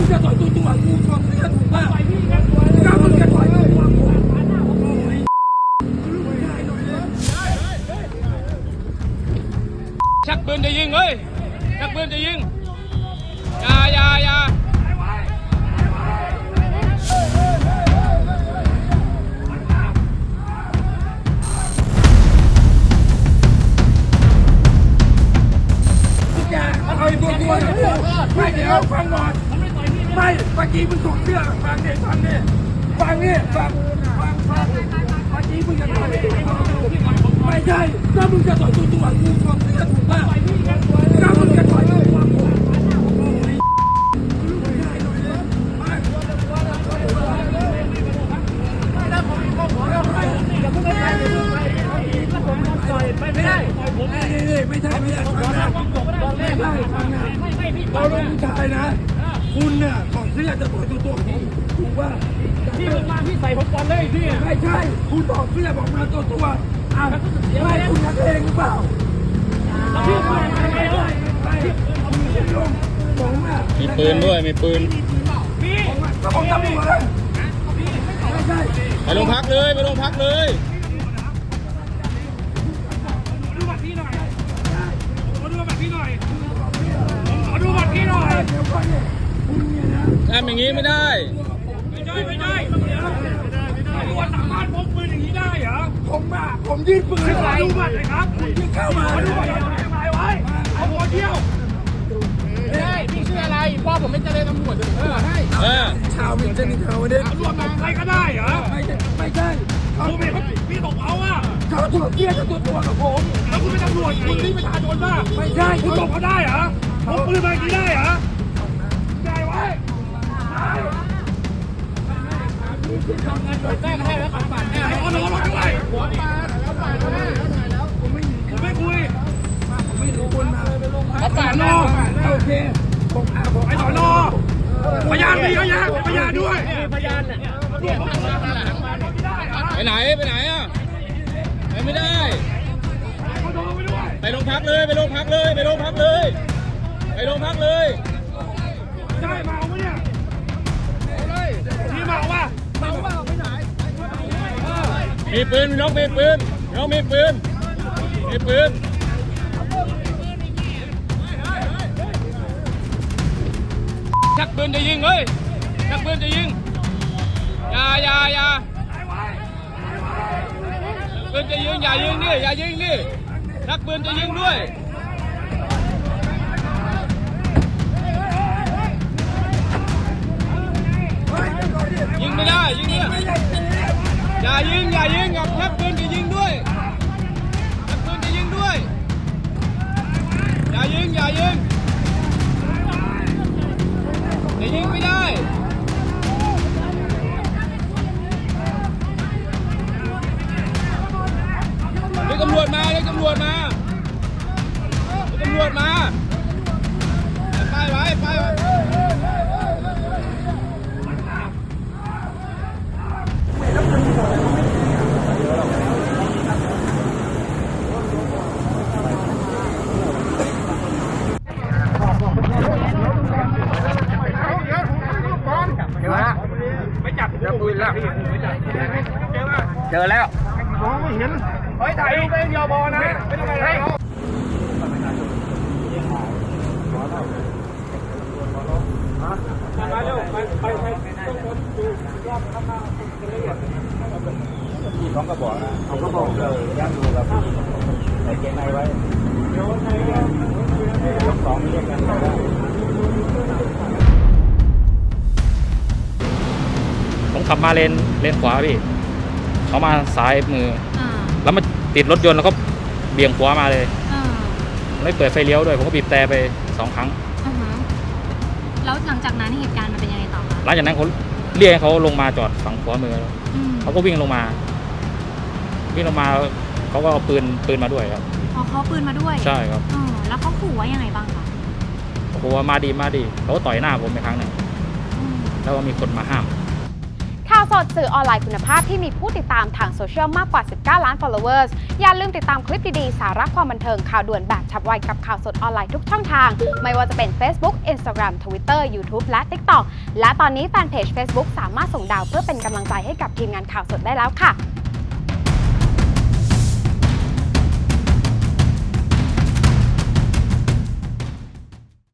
จะต่อยตัวกูถอดเสื้อถูกป่ะก็มึงจะต่อยตัวกูชักปืนจะยิงเฮ้ยชักปืนจะยิงอย่าเอาตัวไม่เดี๋ยวฟังก่อนไม่เมื่อกี้มึงถอดเสื้อฟังนี่เมื่อกี้มึงจะต่อยไม่ใช่ก็มึงจะต่อยตัวกูถอดเสื้อถูกป่ะก็มึงจะต่อยตัวกูไม่ได้เราเป็นผู้ชายนะคุณเนี่ยของเสื้อจะต่อยตัวผมถูกว่าพี่มาพี่ใส่ผมก่อนเลยพี่ไม่ใช่คุณต่อเสื้อบอกมาตัวไม่คุณนักเลงหรือเปล่าพี่มาไงเลยมีปืนด้วยมีปืนก็ผมทำอยู่เลยไม่ใช่ไปโรงพักเลยดูบัตรพี่หน่อยทำอย่างนี้ไม่ได้ไม่ได้ตำรวจสามารถพกปืนอย่างนี้ได้เหรอผมยื่นปืนอะไรดูบัตรเลยครับยื่นเข้ามาดูบัตรทำไมไว้เอาหัวเที่ยวไม่ได้พี่ชื่ออะไรพ่อผมเป็นเจริญตำรวจให้ชาวมินเจนิเขาเนี่ยตำรวจใครก็ได้เหรอไม่ใช่พี่ตกเอาอ่ะเขาถูกเกี้ยตัวกับผมแล้วคุณเป็นตำรวจคุณนี่ประชาชนป่ะไม่ใช่คุณตกเขาได้เหรอพกปืนมาอย่างนี้ได้เหรอได้ไว้แจ้งให้แล้วขับปั่นให้เอาน้องมาด้วยผมไม่คุยไม่รู้คนมาขับปั่นน้องโอเคไอ้สอนอพยานมีพยานด้วยพยานเนี่ยไปไหนอ่ะไม่ได้ไปโรงพักเลยได้เมาไหมเนี่ยพี่เมาป่ะไปไหนมีปืนน้องมีปืนชักปืนจะยิงเฮ้ยชักปืนจะยิงอย่าปืนจะยิงอย่ายิงดิชักปืนจะยิงด้วยยิงไม่ได้เนี่ยอย่ายิงกับชักปืนจะยิงด้วยอย่ายิงจะยิงไม่ได้เรียกตำรวจมาไปไว้ไม่จับปืนแล้วเจอแล้วมองไม่เห็นถ่ายรูปเป็นยอบอนะไม่ต้องอะไรมาเร็วไปต้องคนดูรอบข้างหน้าที่เขาก็บอกนะเขาก็บอกเลยย่างดูกับใส่เกงในไว้ยก2เรียกกันได้ผมขับมาเลนขวาพี่เขามาซ้ายมือแล้วมาติดรถยนต์แล้วก็เบี่ยงขวามาเลยไม่เปิดไฟเลี้ยวด้วยผมก็บีบแต่ไป2 ครั้งแล้วหลังจากนั้นเหตุการณ์มันเป็นยังไงต่อคะหลังจากนั้นเขาเรียกให้เขาลงมาจอดฝั่งขวามือเขาก็วิ่งลงมาเขาก็เอาปืนมาด้วยครับอ๋อเขาปืนมาด้วยใช่ครับแล้วเขาขู่ว่ายังไงบ้างคะเขาบอกว่ามาดีเขาก็ต่อยหน้าผมไปครั้งหนึ่งแล้วก็มีคนมาห้ามข่าวสดสื่อออนไลน์คุณภาพที่มีผู้ติดตามทางโซเชียลมากกว่า 19 ล้าน followers อย่าลืมติดตามคลิปดีๆ สาระความบันเทิงข่าวด่วนแบบฉับไวกับข่าวสดออนไลน์ทุกช่องทาง ไม่ว่าจะเป็น Facebook Instagram Twitter YouTube และ TikTok และตอนนี้แฟนเพจ Facebook สามารถส่งดาวเพื่อเป็นกำลังใจให้กับทีมงานข่าวสดได้แล้วค่ะ